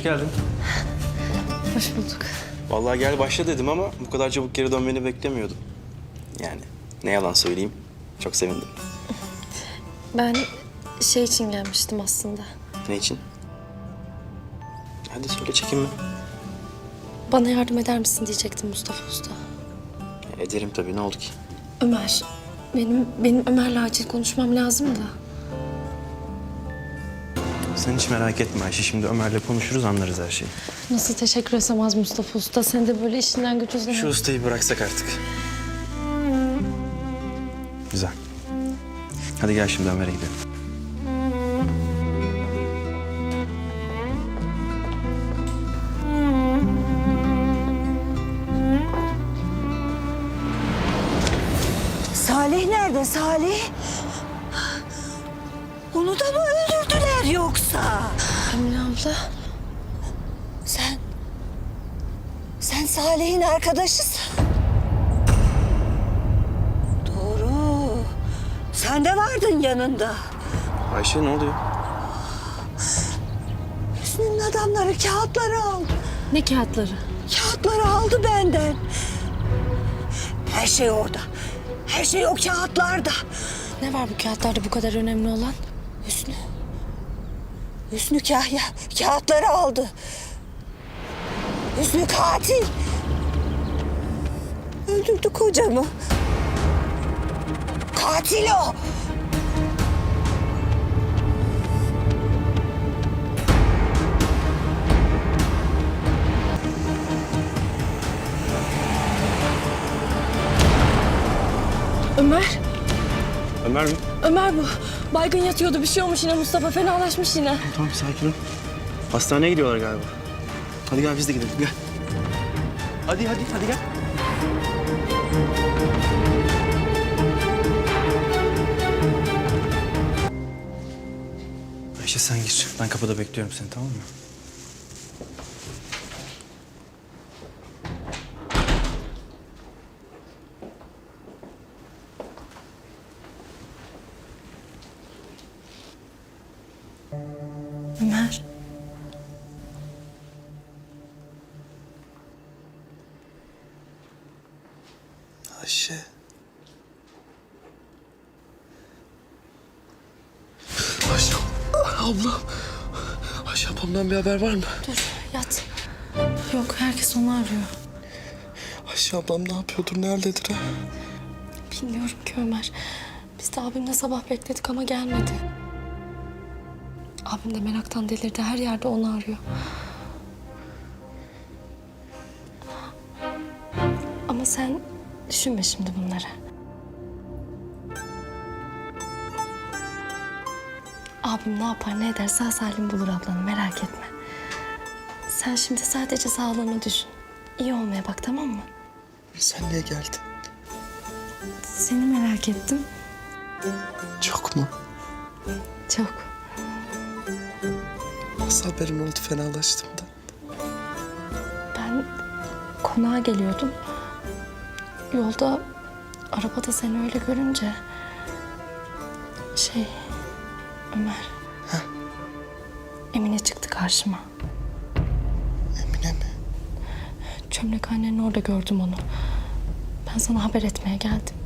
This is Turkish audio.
geldin. Hoş bulduk. Vallahi gel başla dedim ama bu kadar çabuk geri dönmeni beklemiyordum. Yani ne yalan söyleyeyim, çok sevindim. Ben şey için gelmiştim aslında. Ne için? Hadi söyle, çekinme. Bana yardım eder misin diyecektim Mustafa Usta. Ederim tabii, ne oldu ki? Ömer, benim Ömer'le acil konuşmam lazım da. Sen hiç merak etme Ayşe, şimdi Ömer'le konuşuruz, anlarız her şeyi. Nasıl teşekkür etsem az Mustafa Usta? Sen de böyle işinden gücünden... Şu ustayı bıraksak artık. Güzel. Hadi gel şimdi Ömer'e gidelim. Salih nerede Salih? Onu da mı öldürdüler yoksa? Emine abla. Sen Salih'in arkadaşısın. Doğru. Sen de vardın yanında. Ayşe ne oluyor? Hüsnü'nün adamları kağıtları aldı. Ne kağıtları? Kağıtları aldı benden. Her şey orada. Her şey o kağıtlarda. Ne var bu kağıtlarda bu kadar önemli olan? Hüsnü. Hüsnü Kahya kağıtları aldı. Hüsnü katil. Öldürdü kocamı. Katil o. Ömer, Ömer mi? Ömer bu. Baygın yatıyordu, bir şey olmuş yine Mustafa, fenalaşmış yine. Tamam, sakin ol. Hastaneye gidiyorlar galiba. Hadi gel biz de gidelim, gel. Hadi gel. Ayşe sen gir. Ben kapıda bekliyorum seni, tamam mı? Ömer. Ayşe. Ayşe. Ablam. Ayşe ablamdan bir haber var mı? Dur, yat. Yok, herkes onu arıyor. Ayşe ablam ne yapıyordur, nerededir ha? Bilmiyorum ki Ömer. Biz de abimle sabah bekledik ama gelmedi. Abim de meraktan delirdi. Her yerde onu arıyor. Ama sen düşünme şimdi bunları. Abim ne yapar ne eder sağ salim bulur ablanı, merak etme. Sen şimdi sadece sağlığını düşün. İyi olmaya bak, tamam mı? Sen niye geldin? Seni merak ettim. Çok mu? Çok. Nasıl haberin oldu fenalaştım da? Ben konağa geliyordum. Yolda arabada seni öyle görünce... Ömer. Heh. Emine çıktı karşıma. Emine mi? Çömlekhanenin orada gördüm onu. Ben sana haber etmeye geldim.